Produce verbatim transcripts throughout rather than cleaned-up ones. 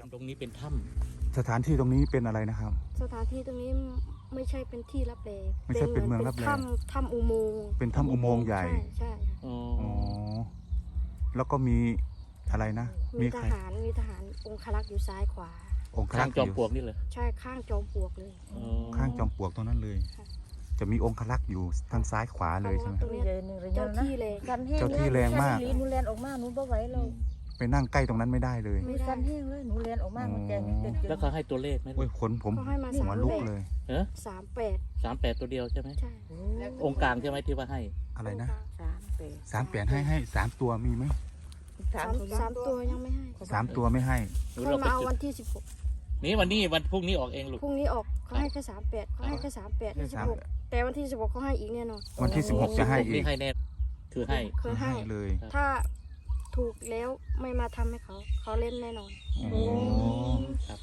ตรงนี้เป็นถ้ำสถานที่ตรงนี้เป็นอะไรนะครับสถานที่ตรงนี้ไม่ใช่เป็นที่รับแลไม่ใช่เป็นเมืองรับแลถ้ำถ้ำอุโมงค์เป็นถ้ำอุโมงค์ใหญ่ใช่ใช่อ๋อแล้วก็มีอะไรนะมีทหารมีทหารองครักษ์อยู่ซ้ายขวาองครัข้าก งษ์จอมปลวกนี่เลยใช่ข้างจอมปลวกเลยข้างจอมปลวกตรงนั้นเลยจะมีองครักษ์อยู่ทางซ้ายขวาเลยใช่ไหมตรงนี้เจ้าที่แรงเจ้าที่แรงมากหนูเรียนออกมาหนูบ่ไหวเราไปนั่งใกล้ตรงนั้นไม่ได้เลยมีกันแห้งเลยหนูเรียนออกมามันแจงเต็มแล้วเขาให้ตัวเลขไหมโอ้ยขนผมหัวลุกเลยเออสามแปดสามแปดตัวเดียวใช่ไหมใช่องค์กลางใช่ไหมที่ว่าให้อะไรนะสามแปดสามแปดให้ให้สามตัวมีไหมสามสามตัวยังไม่ให้สามตัวไม่ให้เขามาเอาวันที่สิบหกนี่วันนี้วันพรุ่งนี้ออกเองลูกพรุ่งนี้ออกเขาให้แค่สามแปดเขาให้แค่สามแปดที่สิบหกแต่วันที่สิบหกเขาให้อีกแน่นอนวันที่สิบหกจะให้อีกให้แน่คือให้คือให้เลยถ้าถูกแล้วไม่มาทำให้เขาเขาเล่นแน่นอนโอ้ครับ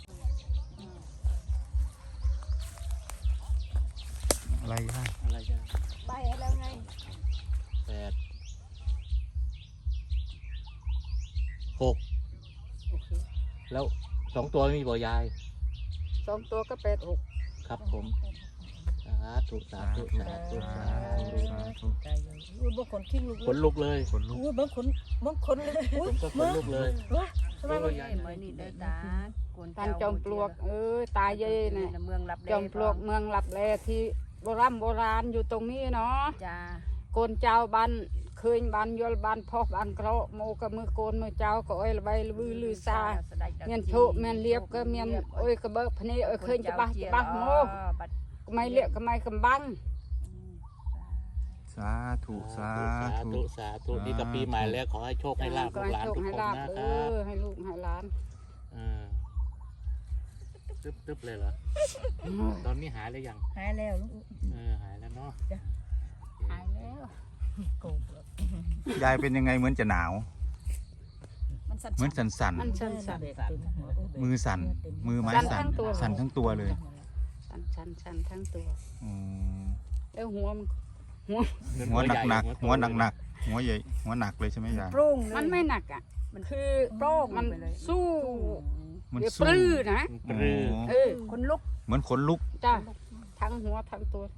อะไรย่าอะไรย่าใบแล้วไงแปดหกแล้วสองตัวมีบ่อยายสองตัวก็แปดหกครับผมสาธุสาธุสาธุสาธุสาธุอุ้ยบางคนขี้ลุกขนลุกเลยขนลุกอุ้ยบางคนบางคนเลยผมก็ขนลุกเลยทำไมมันเหมือนนี่เด้อตาตันจอมปลวกเออตายเย่เนี่ยเมืองรับจอมปลวกเมืองลับแลที่โบราณโบราณอยู่ตรงนี้เนาะจ้าโกนเจ้าบ้านเคยบ้านยลบ้านพ่อบ้านกระโมกับมือโกนมือเจ้าก็อ้อยใบลือลือซาเมียนโชเมียนเลียบก็เมียนโอ้ยกระเบิกพนี่โอ้ยเคยจะบ้าจะบ้าโมก็ไม่เลียก็ไม่กำบังสาธุสาธุสาธุนี่กับปีใหม่แล้วขอให้โชคให้ลาภลูกหลานทุกคนนะครับให้ลูกให้หลานตึ๊บตึ๊บเลยเหรอตอนนี้หายแล้วยังหายแล้วลูกเออหายแล้วเนาะหายแล้วยายเป็นยังไงเหมือนจะหนาวเหมือนสั่นสั่นมือสั่นมือไม้สั่นสั่นทั้งตัวเลยสั่นสั่นสั่นทั้งตัวแล้วหัวหัวหัวหนักหนักหัวหนักหนักหัวใหญ่หัวหนักเลยใช่ไหมยายมันไม่หนักอ่ะมันคือโปร่งมันสู้มันปลื้อนะเออขนลุกเหมือนขนลุกจ้าทั้งหัวทั้งตัว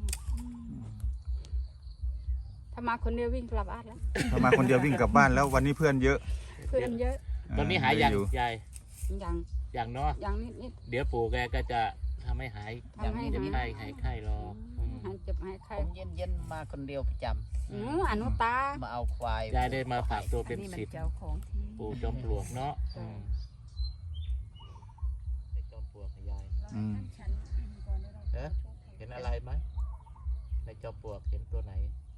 ถ้ามาคนเดียววิ่งกลับบ้านแล้วถ้ามาคนเดียววิ่งกลับบ้านแล้ววันนี้เพื่อนเยอะเพื่อนเยอะตอนนี้หายยังยายยังยังเนาะยังนิดนิดเดี๋ยวปู่แกก็จะทำให้หายยังเจ็บไข้หายไข้รอหายเจ็บหายไข้เย็นเย็นมาคนเดียวประจำอืออนุตามาเอาควายยายได้มาฝากตัวเป็นศิษย์ปู่จอมปลวกเนาะจอมปลวกยายเห็นอะไรไหมในจอมปลวกเห็นตัวไหน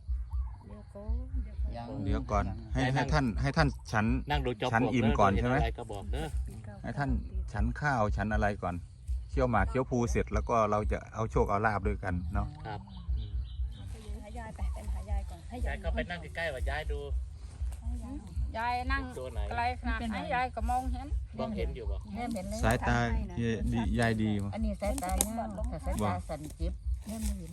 เดี๋ยวก่อนให้ให้ท่านให้ท่านฉันฉันอิ่มก่อนใช่ไหมให้ท่านฉันข้าวฉันอะไรก่อนเคี่ยวหมากเคี่ยวภูเสร็จแล้วก็เราจะเอาโชคเอาลาบด้วยกันเนาะครับหายายไปเป็นหายายก่อนให้ยายก็ไปนั่งใกล้ๆว่ายายดูยายนั่งไกลขนาดไหนยายก็มองเห็นมองเห็นอยู่บ่สายตาดียายดีอันนี้สายตาเนี่ยแต่สายตาสั่นจิบเนี่ยไม่เห็น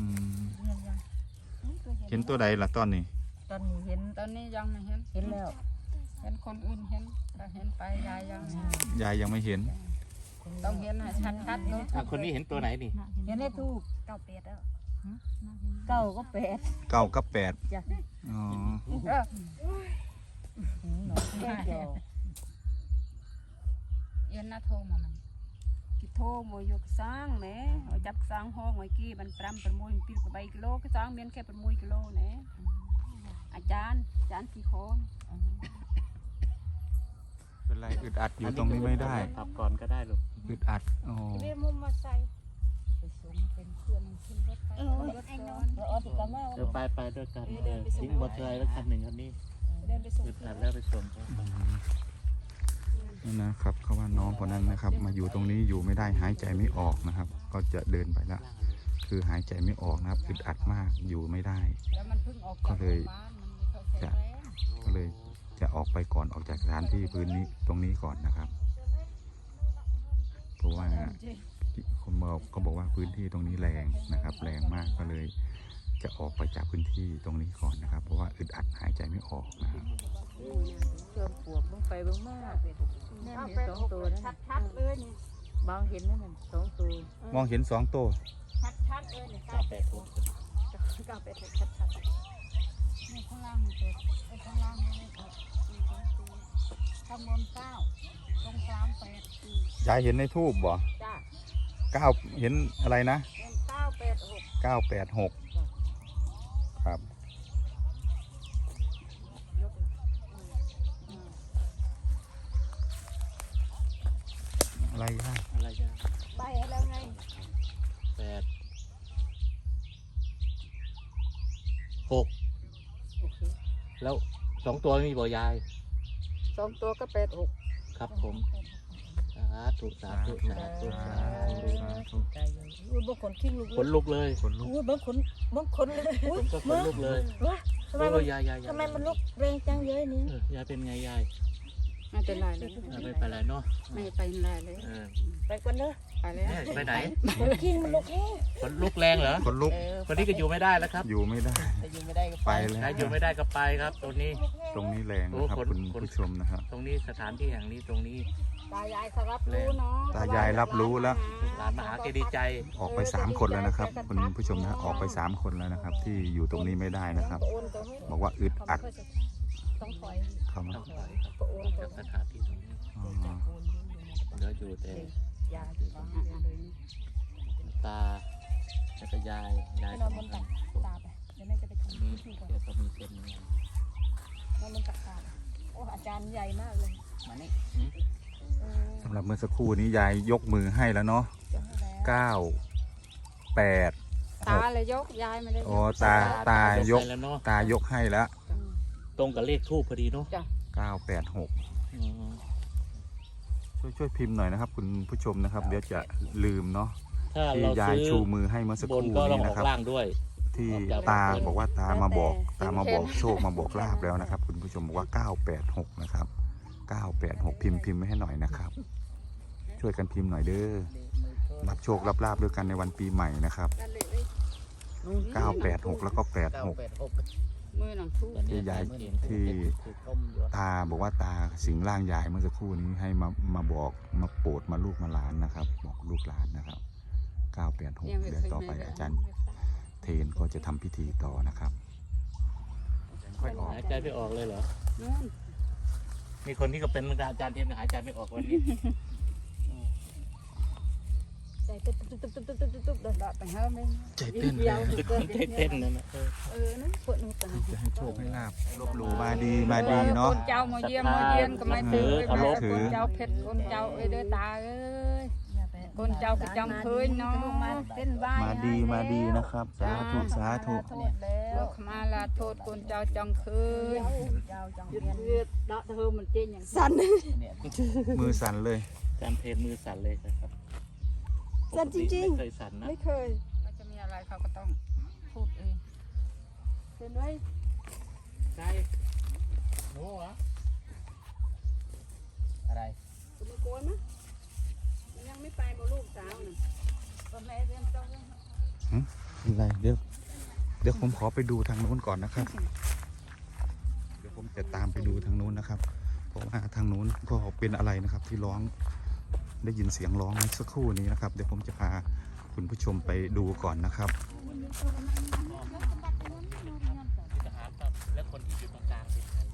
เห็นตัวใดล่ะตอนนี้ตอนนี้เห็นตอนนี้ยังไม่เห็นเห็นแล้วเห็นคนอื่นเห็นแต่เห็นไปยายยังยายยังไม่เห็นต้องเห็นให้ชัดๆเนาะคนนี้เห็นตัวไหนนี่เห็นได้ทูกเก้าแปดแล้วเก้าก็แปดเก้าก็แปดอ๋อเย็นน่าโทรมาไหมกิโทรมวยกสร้างแหมจับสร้างห้องไว้กี้บันปรำประมวยปีกใบกิโลก็สร้างเมียนแค่ประมวยกิโลเนี่ยอาจารย์อาจารย์กี่คนเป็นไรอึดอัดอยู่ตรงนี้ไม่ได้ขับก่อนก็ได้ลูกอึดอัดโอ้เรียกมุมมาใส่เป็นเพื่อนขึ้นรถไปเดี๋ยวไปไปด้วยกันทิ้งบอเทอร์แล้วคันหนึ่งคันนี้อึดอัดแล้วไปส่งเขานี่นะครับเขาว่าน้องคนนั้นนะครับมาอยู่ตรงนี้อยู่ไม่ได้หายใจไม่ออกนะครับก็จะเดินไปแล้วคือหายใจไม่ออกนะครับอึดอัดมากอยู่ไม่ได้ก็เลยจะก็เลยจะออกไปก่อนออกจากสถานที่พื้นนี้ตรงนี้ก่อนนะครับเพราะว่าคนบอกก็บอกว่าพื้นที่ตรงนี้แรงนะครับแรงมากก็เลยจะออกไปจากพื้นที่ตรงนี้ก่อนนะครับ เพราะว่าอึดอัดหายใจไม่ออกนะครับเชื่อมปวกเบิ่งไปเบิ่งมาแน่นเห็นสองตัวนั่นชัดๆเลยนี่บางเห็นนั่นน่ะสองตัวมองเห็นสองตัวชัดๆเลยนี่เก้าแปดหกเก้าแปดหกชัดนี่ข้างล่างมันเป็ดไอ้ข้างล่างมันเป็ดข้างบนเก้าตรงกลางแปดยายเห็นในทูบบ่จ้าเก้าเห็นอะไรนะเป็นเก้าแปดหกเก้าแปดหกครับอะไรนะอะไรจ้าๆใบให้แล้วไงแปดหกโอเคแล้วสองตัวมีบ่ยายสองตัวก็แปดหกครับผมสาธุสาธุสาธุสาธุใจอยู่อุ้ยบางคนขี้ลูกขนลุกเลยคนลุกอุ้ยบางคนบางคนเลยอุ้ผยมก็ขนลุกเลยทำไมโอ้มันยยายยายยายทำไมมันลุกแรงจังเยอะนี่เออยายเป็นไงยายไม่เป็นไรเลยเออไม่เป็นไรเนาะไม่เป็นไรเลยเออไปก่อนเด้อไปแล้วเนี่ยไปไหนคนขี้มันลุกแห้งขนลุกแรงเหรอคนลุกเออคนนี้ก็อยู่ไม่ได้แล้วครับอยู่ไม่ได้แต่อยู่ไม่ได้ก็ไปไปแล้วใครอยู่ไม่ได้ก็ไปครับ ตรงนี้ตรงนี้แรงนะครับโอ้คนคุณคนผู้ชมนะครับตรงนี้สถานที่แห่งนี้ตรงนี้ตายายเขารับรู้เนาะตายายรับรู้แล้วหลานมาหาแกดีใจออกไปสามคนแล้วนะครับ คุณผู้ชมนะออกไปสามคนแล้วนะครับ ที่อยู่ตรงนี้ไม่ได้นะครับโอนตัวให้บอกว่าอึดอัดต้องถอยเข้ามาต้องถอยครับโอนตัวจากสถานที่ตรงนี้อ๋อเหลืออยู่แต่ยาอยู่บ้างเลยตาแล้วก็ยายยายนอนบนตักตาไปเดี๋ยวแม่จะไปตรงทำนี้พิธีก่อนเดี๋ยวก็มีเป็นเงินนอนบนตักตาโอ้อาจารย์ใหญ่มากเลยมานี่เออสำหรับเมื่อสักครู่นี้ยายยกมือให้แล้วเนาะจะให้แล้วเก้าแปดตาเลยยกยายไม่ได้ยกอ๋อตาตายกไปแล้วเนาะตายกให้แล้วตรงกับเลขทูปพอดีเนาะเก้าแปดหกอืมช่วยช่วยพิมพ์หน่อยนะครับ คุณผู้ชมนะครับ เดี๋ยวจะลืมเนาะถ้าที่เรายายซื้อชูมือให้เมื่อสักบคน รู่ก็ต้องนี้ออนะกครับล่างด้วยที่ออกจากตาบนบอกว่าตามาบอกตามาบอกโชคมาบอกลาบแล้วนะครับ คุณผู้ชมบอกว่าเก้าแปดหกนะครับเก้าแปดหกพิมพ์พิมพ์ไม่ให้หน่อยนะครับ ช่วยกันพิมพ์หน่อยเด้อรับโชครับลาบด้วยกันในวันปีใหม่นะครับนั่นเลยเลยเก้าแปดหกแล้วก็แปดเก้าหกแปดหกมือหนังทุกวันนี้ที่ยายเห็นที่ถูกต้มอยู่ตาบอกว่าตาสิงร่างยายเมื่อสักครู่นี้ให้มามาบอกมาโปรดมาลูกมาหลานนะครับ บอกลูกหลานนะครับเก้าแปดหกเดี๋ยวต่อไปอาจารย์เทนก็จะทำพิธีต่อนะครับค่อยออกหายใจไม่ออกเลยเหรอนู่นมีคนที่ก็เป็นเหมือนกันอาจารย์เทียนหายใจไม่ออกวันนี้ใจตึ๊บตึ๊บตึ๊บตึ๊บตึ๊บตึ๊บตึ๊บเลยดอดไปเฮ้ยไม่ใจเต้นเลยจะคนเต้นๆนั่นนะเออเออนะปวดหัวตาจะให้โชคให้ลาบลบหลู่มาดีมาดีเนาะคนเจ้ามาเยี่ยมมาเยี่ยนก็ไม่ถือเคารพถือคนเจ้าเพชรคนเจ้าเอ้ยเด้อตาเอ้ยคนเจ้าก็จำเคยเนาะเต้นบ้ามาดีมาดีนะครับสาธุสาธุลูกมาลาโทษคนเจ้าจังเคยหยุดเวียดดอกเธอมันเจนอย่างสั่นเนี่ยมือสั่นเลยอาจารย์เทนมือสั่นเลยนะครับสั่นจริงๆไม่เคยสั่นนะไม่เคยมันจะมีอะไรเขาก็ต้องพูดเองเห็นไหมใช่โน้เหรออะไรจะมาโกนมั้ยมันยังไม่ไปบ่ลูกสาวน่ะก็แม่เรียนต้องอะไรเดี๋ยวเดี๋ยวผมขอไปดูทางนู้นก่อนนะครับ เดี๋ยวผมจะตามไปดูทางนู้นนะครับ เพราะว่าทางนู้นก็เป็นอะไรนะครับ ที่ร้องได้ยินเสียงร้องเมื่อสักครู่นี้นะครับ เดี๋ยวผมจะพาคุณผู้ชมไปดูก่อนนะครับทหารครับแล้วคนที่อยู่ตรงกลางเป็นใคร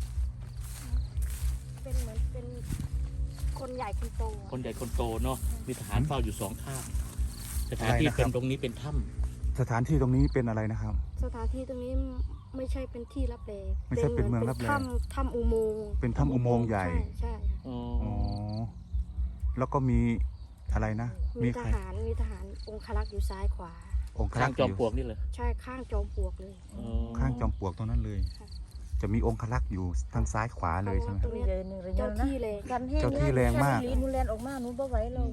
เป็นเหมือนเป็นคนใหญ่คนโตคนใหญ่คนโตเนาะมีทหารเฝ้าอยู่สองข้างสถานที่อะไรนะครับเป็นตรงนี้เป็นถ้ำสถานที่ตรงนี้เป็นอะไรนะครับสถานที่ตรงนี้ไม่ใช่เป็นที่รับแลไม่ใช่เป็นเมืองรับแลถ้ำถ้ำอุโมงค์เป็นถ้ำอุโมงค์ใหญ่ใช่ใช่อ๋ออ๋อแล้วก็มีอะไรนะมีทใครหารมีทหารองครักษ์อยู่ซ้ายขวาองครัข้าก งษ์จอมอยู่ปลวกนี่เลยใช่ข้างจอมปลวกเลยอ๋อข้างจอมปลวกตรงนั้นเลยค่ะจะมีองครักษ์อยู่ทางซ้ายขวาเลยใช่ไหมตรงเนี้ยเจ้าที่เลยเจ้าที่แรงมากหนูเรียนออกมาหนูบ่ไหวเรา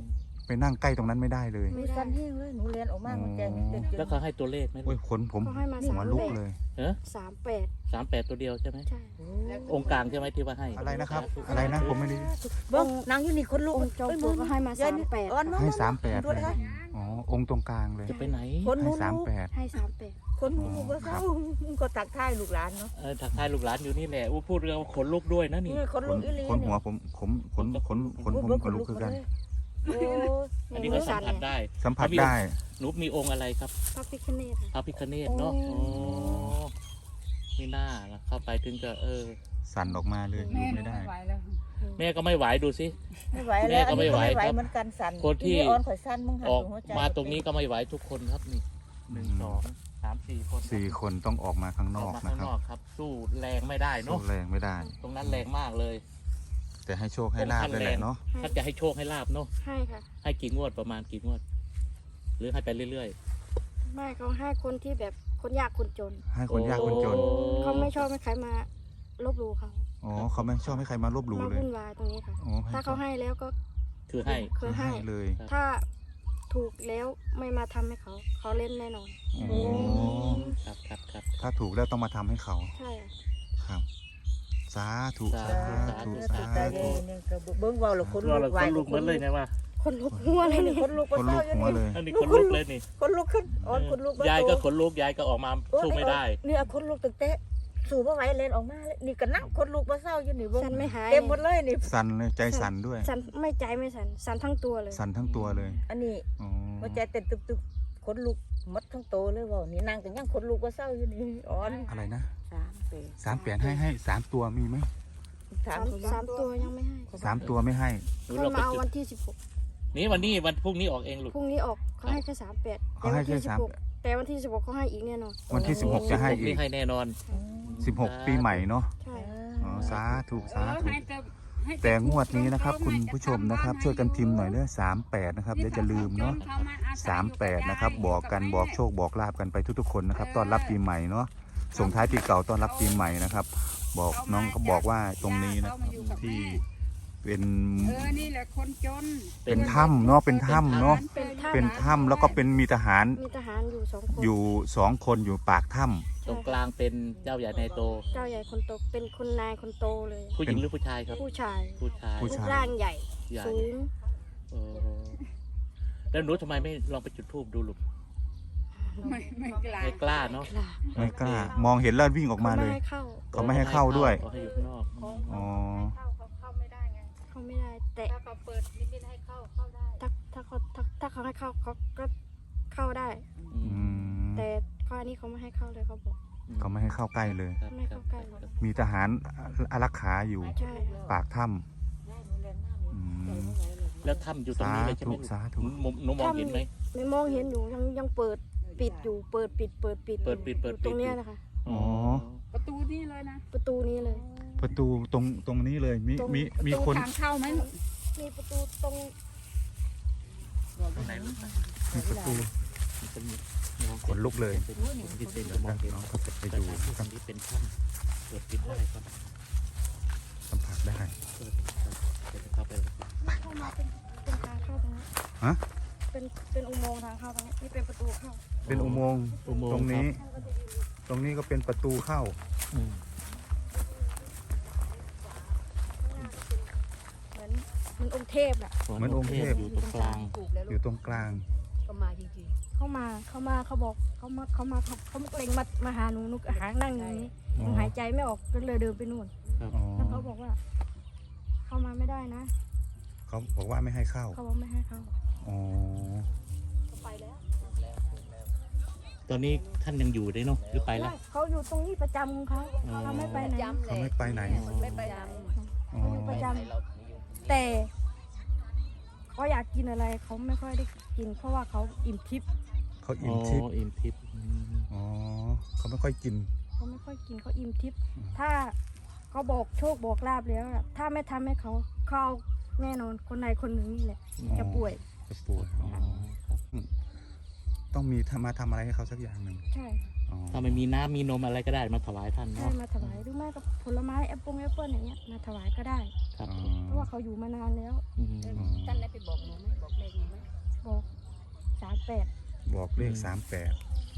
ไปนั่งใกล้ตรงนั้นไม่ได้เลยมีสันแห้งเลยหนูเรียนออกมามันแจงเต็มแล้วเขาให้ตัวเลขไหมโอ้ยขนผมเขาให้มาหัสาว มลุกแปดเลยเออสามแปดสามแปดตัวเดียวใช่ไหมใช่องค์กลางใช่ไหมที่ว่าให้อะไรนะครับ อะไรนะผมไม่ได้เบิ้งนางอยู่นี่คนลูกองค์จอมปลวกก็ให้มาสามแปดอ่อนให้สามแปดด้เลวยยนะอ๋อองค์ตรงกลางเลยจะไปไหนคนให้นู้นสามแปดให้สามแปดคนลูกก็เศร้าก็ตักท้ายลูกหลานเนาะเออถักทายลูกหลานอยู่นี่แหละอู้พูดเรื่องขนลุกด้วยนะนี่นี่คนขลูนกอีลีขนหัวผมขนขนขนขนผมขนลุกคือกันโอ้อันนี้ก็สัมผัสได้สัมผัสได้หนูมีองค์อะไรครับพระพิฆเนศพระพิฆเนศเนาะโอ้ไม่น่าละเข้าไปถึงก็เออสั่นออกมาเลยอแม่ยู่ไม่ไม่ได้ไหวแล้วแม่ก็ไม่ไหวดูสิไม่ไหวแล้วอันนี้ก็ไม่ไหวเหมือนกันสั่นคนที่อ่อนข่อยสั้นมึงหันออกหัวใจมาตรงนี้ก็ไม่ไหวทุกคนครับนี่หนึ่งสองสามสี่คนสี่คนต้องออกมาข้างนอออกกมานะข้างครับนอกครับ สู้แรงไม่ได้สู้เนาะแรงไม่ได้ตรงนั้นแรงมากเลยแต่ให้โชคให้ลาบเลยแหละเนาะถ้าจะให้โชคให้ลาบเนาะให้ค่ะให้กี่งวดประมาณกี่งวด หรือให้ไปเรื่อยไม่เขาให้คนที่แบบคนยากคนจนให้ๆคนยากคนจนโอ้เขาไม่ชอบให้ใครมาลบหลู่เขาอ๋อเขาไม่ชอบให้ใครมาลบหลู่มาเลยวุ่นวายตรงนี้ค่ะอ๋อถ้าเขาให้แล้วก็คือให้คือให้ให้เลยถ้าถูกแล้วไม่มาทำให้เขา เขาเล่นแน่นอนอ๋อครับครับครับถ้าถูกแล้วต้องมาทำให้เขาใช่ค่ะครับ สาธุสาสาธุธุสาสาตาธุเย็นเนี่ยก็เบิ้งเบาหรอคนตัวลูเรากคไหวนลุกเหมือนเลยไงวะคนลุกหัวเลยนี่คนลูกคนลุกหัวเลยอันนี้คนลุกเลยนี่คนลูกขึ้นอ่อนคนลูกยายก็ขนลุกยายก็ออกมาสู้ไม่ได้นี่เอาคนลูกตั้งแต่สู่บ่ไหวเล่นออกมาเลยนี่ก็นั่งคนลูกมาเศร้าอยู่นี่เบิ้งสันไม่หายเต็มหมดเลยนี่สั่นเลยใจสั่นด้วยสันไม่ใจไม่สันสันทั้งตัวเลยสั่นทั้งตัวเลยอันนี้อ๋อหัวใจเต้นตึบๆคนลูกหมดทั้งโตเลยว่านี่นั่งกันยังคนลูกมาเศร้าอยู่นี่อ่อนอะไรนะสามเปสามแปดให้ให้สามตัวมีไหมสาสาม มสามตัวยังไม่ให้สามตัวไม่ให้หนูเขาเราไปมาเอาจุดวันที่สิบหกนี่วันนี้วันพรุ่งนี้ออกเองลูกพรุ่งนี้ออกเขาให้แค่สามแปดเขาให้แค่สามแต่วันที่สิบหกเขาให้อีกแน่นอนวันที่สิบหกจะให้อีนี่กให้แน่นอนสิบหกปีใหม่เนาะใช่อ๋อสาธุสาเออธุให้แต่ให้แต่งวดนี้นะครับ คุณผู้ชมนะครับ ช่วยกันพิมพ์หน่อยเด้อสามแปดนะครับเดี๋ยวจะลืมเนาะสามแปดนะครับบอกกันบอกโชคบอกลาบกันไปทุกๆคนนะครับต้อนรับปีใหม่เนาะส่งท้ายปีเก่าต้อนรับปีใหม่นะครับ บอกน้องเขาบอกว่าตรงนี้นะครับที่เป็นเออนี่แหละคนจนเป็นถ้ำเนาะเป็นถ้ำเนาะเป็นถ้เป็นถ้ำแล้วก็เป็นมีทหารำมีทหารอยู่สองคนอยู่สองคนอยู่ปากถ้ตรงกลางเป็นเจ้าใหญ่ในโตเจ้าใหญ่คนโตเป็นคนนายคนโตเลยผู้หญิงหรือผู้ชายครับผู้ชายผู้ชายรูปร่างใหญ่ใหญ่สูงเออแล้วหนูทำไมไม่ลองไปจุดธูปดูลูกไม่ไม่กล้าไม่กล้าเนาะกล้าำไม่กล้ามองเห็นแล้ววิ่งออกมาเลยขไให้เข้าเขาไม่ให้เข้าด้วยเขาให้อยู่ข้างนอกอ๋อเข้าไม่ได้แต่ถ้าเขาเปิดนิดๆให้เข้าเข้าได้ถ้าถ้าเขาถ้าถ้าเขาให้เข้าเขาก็เข้าได้อือืมมแต่ข้อนี้เขาไม่ให้เข้าเลยเขาบอกเขาไม่ให้เข้าใกล้เลยครับไม่เข้าใกล้ครับมีทหารอารักขาอยู่ใช่ปากถ้ำอืมแล้วถ้ำอยู่ตรงสานี้เลยใช่ไหธุมสาธุหนูหนูมองเห็นไหมไม่มองเห็นอยู่ยังยังเปิดปิดอยู่เปิดปิดเปิดปิดเปิดปิดเปิดปิดอยู่ตรงเนี้ยนะคะอ๋อประตูนี่เลยนะประตูนี้เลยประตูตรงตรงนี้เลยมีตรงมีมีประตูคนทางเข้าไหมมีประตูตรงตรงไหนลูกนะมีประตูมันจะมีมองขนลุกเลยเป็นดินเต็มมองเห็นน้องก็จะไปแต่ดูทางที่ตรงนี้เป็นถ้ำเปิดปิดได้ครับสัมผัสได้เปิดครับเดี๋ยวจะเข้าไปเข้ามาเป็นเป็นทางเข้าตรงนี้ฮะเป็นเป็นอุโมงค์ทางเข้าตรงนี้นี่เป็นประตูเข้าเป็นอุโมงค์อุโมงค์ตรงนี้ครับตรงนี้ก็เป็นประตูเข้าอืมเหมือนเหมือนองค์เทพน่ะเหมือนองค์เทพอยู่ตรงกลางอยู่ตรงกลางเข้ามาเขามาเขาบอกเขามาเขามาเขาเขาเล็งมามาหาหนูหนูก็หานั่งอยู่นี้หนูหายใจไม่ออกก็เลยเดินไปนู่นอ๋อแล้วเขาบอกว่า เข้ามาไม่ได้นะเขาบอกว่าไม่ให้เข้าเขาบอกไม่ให้เข้าอ๋อไปแล้วตอนนี้ท่านยังอยู่ได้เนาะหรือไปแล้วเขาอยู่ตรงนี้ประจำของเขาอ๋อเขาไม่ไปไหนเขาไม่ไปไหนไม่ไปไหนอ๋อเขาอยู่ประจำแต่เขาอยากกินอะไรเขาไม่ค่อยได้กิน เพราะว่าเขาอิ่มทิพย์เขาอิ่มทิพย์อ๋ออิ่มทิพย์อืมอ๋อเขาไม่ค่อยกินเขาไม่ค่อยกินเขาอิ่มทิพย์ถ้าเขาบอกโชคบอกลาบแล้วอะถ้าไม่ทำให้เขาเขาเอาแน่นอนคนใดคนหนึ่งนี่แหละ จะป่วยจะป่วยอ๋อครับต้องมีทำมาทำอะไรให้เขาสักอย่างหนึ่งใช่อ๋อถ้าไม่มีน้ำมีนมอะไรก็ได้มาถวายท่านให้เนาะมาถวายหรือไม่ก็ผลไม้แอปเปิ้ลแอปเปิ้ลอย่างเงี้ยมาถวายก็ได้ครับอ๋อเพราะว่าเขาอยู่มานานแล้วอืมอ๋อท่านได้ไปบอกหนูไหมบอกเลขหนูไหมแปดบอกเลขสามแปด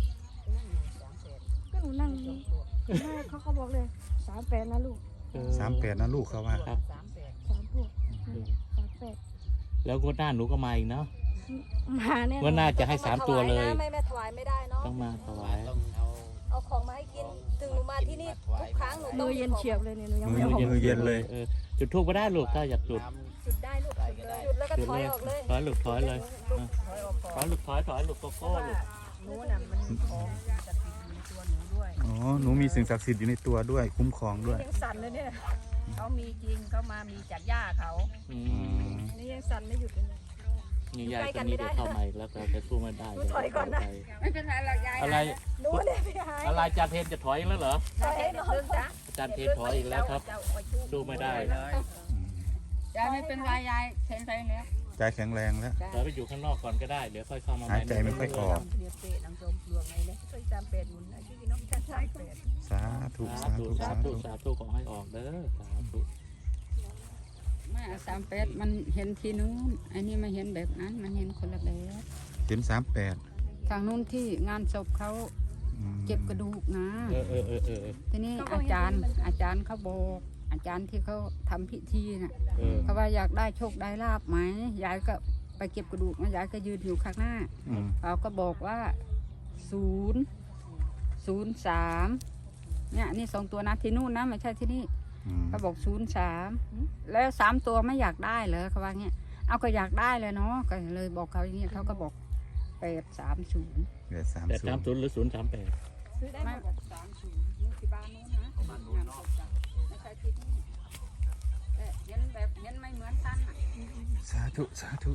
ก็หนูนั่งอยู่แม่เขาเขาบอกเลยสามแปดนะลูกเออสามแปดนะลูกเขาว่าครับสามพวกสามแปดแล้วงวดหน้าหนูก็มาอีกเนาะมาแน่งวดหน้าจะให้สามตัวเลยไม่แม่ถวายไม่ได้เนาะต้องมาถวายต้องเอาเอาของมาให้กินถึงหนูมาที่นี่ทุกครั้งหนูต้องเย็นเฉียบเลยเนี่ยหนูยังมืไม่อเอาของมือเย็นเลยเออจุดทูบก็ได้ลูกถ้าอยากจุดจุดได้ลูกจุดแล้วก็จุดถอเลย ยออกเลยถอยลูกถอยเลยอ่ะถอยลูกถอยถอยลูกโกโก้ลูกหนูน่ะมันของจะติดอยู่ในตัวหนูด้วยอ๋อหนูมีสิ่งศักดิ์สิทธิ์อยู่ในตัวด้วยคุ้มครองด้วยยังสั่นเลยเนี่ยเขามีจริงเขามามีจากย่าเขาอือืมมนี่ยังสั่นไม่หยุดเลยนี่ยายคนนี้เดี๋ยวเข้ามาอีกแล้วเราจะสู้ไม่ได้ถอยก่อนนะไม่เป็นไรหรอกยายอะไรหนูเนี่ยพี่หายอะไรอาจารย์เทนจะถอยอีกแล้วเหรอถอยให้น้องเรื่องจ้ะอาจารย์เทนถอยอีกแล้วครับสู้ไม่ได้เลยยายไม่เป็นไรยายเซ็นไปแล้วใจแข็งแรงแล้วเราไปอยู่ข้างนอกก่อนก็ได้เดี๋ยวค่อยเข้ามาหายใจไม่ค่อยออกเรียบเปะนังจมปลวกไงเนี่ยเคยจำเป็ดหมุนอาชีพน้องชาชายเป็ดสาธุสาสาธุธุสาสาธุธุสาธุขอให้ออกเด้อสาธุไม่สามแปดมันเห็นที่นู้นอันนี้มาเห็นแบบนั้นมันเห็นคนละแบบเห็นสามแปดทางนู้นที่งานศพเขาอืมเก็บกระดูกนะเออเออเออเออทีนี้อาจารย์อาจารย์เขาบอกอาจารย์ที่เขาทำพิธีน่ะเออเขาว่าอยากได้โชคได้ลาบไหมยายก็ไปเก็บกระดูกนะยายก็ยืนอยู่ข้างหน้าอืมเขาก็บอกว่าศูนย์ศูนย์สามเนี่ยนี่สองตัวนะที่นู่นนะไม่ใช่ที่นี่อืมเขาบอกศูนย์สามแล้วสามตัวไม่อยากได้เหรอเขาว่าเงี้ยเอาก็อยากได้เลยเนาะก็เลยบอกเขาอย่างเงี้ยเขาก็บอกแปดสามศูนย์เหลือสามแปดศูสามนย์ศูนย์หรือศูนย์สามแปดซื้อได้หไม่มดสามศูนย์นี่ที่บ้านนู้นนะงานศพจ้ะไม่ใช่ที่นี่แต่เห็นแบบเห็นไม่เหมือนกันอ่ะสาธุสาธุ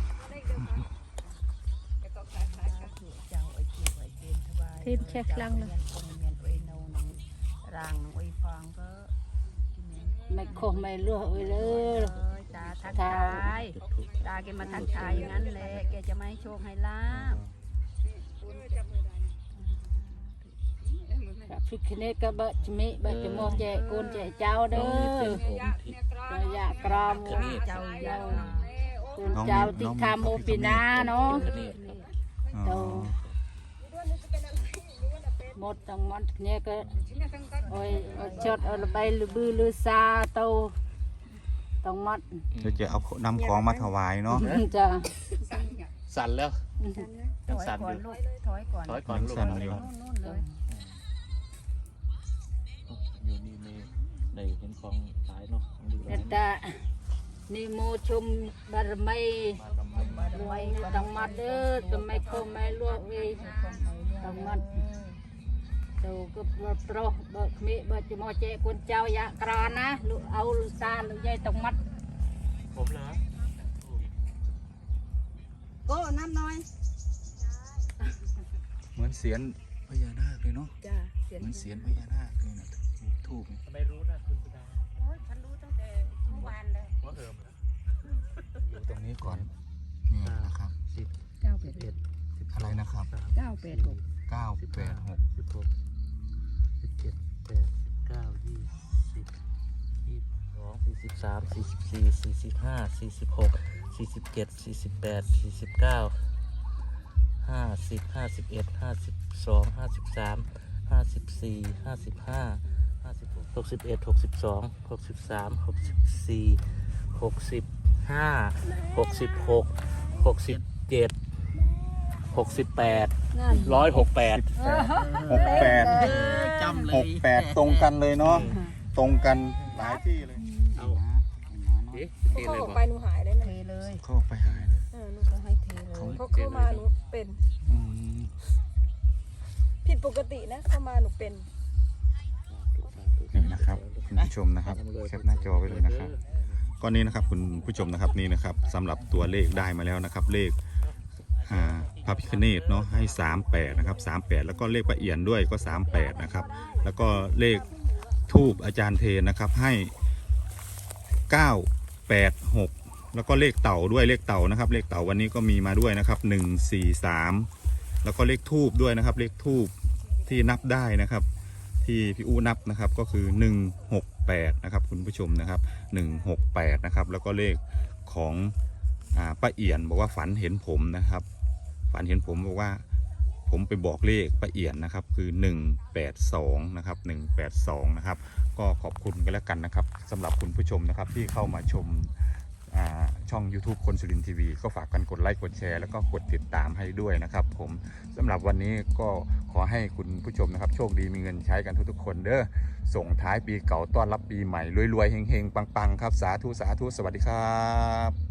แต่ก็คล้ายๆกันเจ้าไอ้คิวไอ้เจนทวายทีมเช็คลังเลยเมียนองเมียนไอ้โนนองร่างน้องไอ้ฟางก็ไม่โคงไม่ลวกเลยเลยเอ้ยตาทักทายตาแกมาทักทายอย่างนั้นแหละแกจะไม่ให้โชคให้ลาบฟิกเนตก็เบะจมิเบะจมอแจกูนแจเจ้าเด้อองค์ที่ระยะกรอมเจ้าเจ้ากูนเจ้าติคาโมปินาเนาะอ๋อหมดทั้งหมดเนี่ยก็โอ้ยชดเอาใบลือบือลือซาโตต้องหมดเดี๋ยวจะเอานำของมาถวายเนาะจ้ะสั่นแล้วถอยก่อนลูกถอยก่อนถอยก่อนลูกสั่นอยู่นู่นเลยอยู่นี่มีในเห็นของขายเนาะของดีเนตานิโมชุมบารมีรวยต้องหมดเด้อต้องไม่โคไม่ลวกเองต้องหมดตูก็โปรเบิกมีเบิกจมอแจกูนเจ้ายะกรอนะลูกเอาลูกซาลูกใหญ่ต้องหมดผมเหรอก็น้ำน้อยเหมือนเสียนพญานาคเลยเนาะจ้าเสียงเหมือนเสียนพญานาคเลยนะทูบนี่ทำไมรู้นะคุณสุดาโอ้ยฉันรู้ตั้งแต่เมื่อวานเลยหัวเหิมอยู่ตรงนี้ก่อนนี่นะครับสิบเก้าแปดเอ็ดสิบอะไรนะครับเก้าแปดหกเก้าสิบแปแปดดหหกกสิบหกสิบเจ็ดแปดสิบเก้ายี่สิบยี่สิบสองสี่สิบสามสี่สิบสี่สี่สิบห้าสี่สิบหกสี่สิบเจ็ดสี่สิบแปดสี่สิบเก้าห้าสิบห้าสิบเอ็ดห้าสิบสองห้าสิบสามห้าสิบสี่ห้าสิบห้าห้าสิบหกหกสิบเอ็ดหกสิบสองหกสิบสามหกสิบสี่หกสิบห้าหกสิบหกหกสิบเจ็ดหกสิบแปดร้อยหกแปดหกแปดจำเลหยกแปดตรงกันเลยเนาะตรงกันหลายที่เลยเอาเอ๊ะเทเขาเลยออกบอกไปหนูหายเลยเทนะเลยเข้าไปหายเลยเออหนูเขาให้เทเลยเขาเข้ามาหนูเป็นอืมผิดปกตินะเข้ามาหนูเป็นนี่นะครับคุณผู้ชมนะครับแคปหน้าจอไว้เลยนะครับก้อนนี้นะครับคุณผู้ชมนะครับนี่นะครับสำหรับตัวเลขได้มาแล้วนะครับ เลขอ่าพระพิฆเนศเนาะให้สามแปดนะครับสามแปดแล้วก็เลขประเอียนด้วยก็สามแปดนะครับแล้วก็เลขทูบอาจารย์เทนนะครับให้เก้าแปดหกแล้วก็เลขเต่าด้วยเลขเต่านะครับ เลขเต่าวันนี้ก็มีมาด้วยนะครับหนึ่งสี่สามแล้วก็เลขทูบด้วยนะครับ เลขทูบที่นับได้นะครับ ที่พี่อู้นับนะครับก็คือหนึ่งหกแปดนะครับคุณผู้ชมนะครับหนึ่งหกแปดนะครับแล้วก็เลขของอ่าป้าเอียนบอกว่าฝันเห็นผมนะครับฝฝันเห็นผมบอกว่าผมไปบอกเลขป้าเอี่ยนนะครับคือหนึ่งแปดสองนะครับหนึ่งแปดสองนะครับก็ขอบคุณกันแล้วกันนะครับสำหรับคุณผู้ชมนะครับที่เข้ามาชมช่อง YouTube คนสุรินทร์ทีวีก็ฝากกันกดไลค์กดแชร์แล้วก็กดติดตามให้ด้วยนะครับผมสำหรับวันนี้ก็ขอให้คุณผู้ชมนะครับโชคดีมีเงินใช้กันทุกๆคนเด้อส่งท้ายปีเก่าต้อนรับปีใหม่รวยๆเฮงๆปังๆครับสาธุสาธุสวัสดีครับ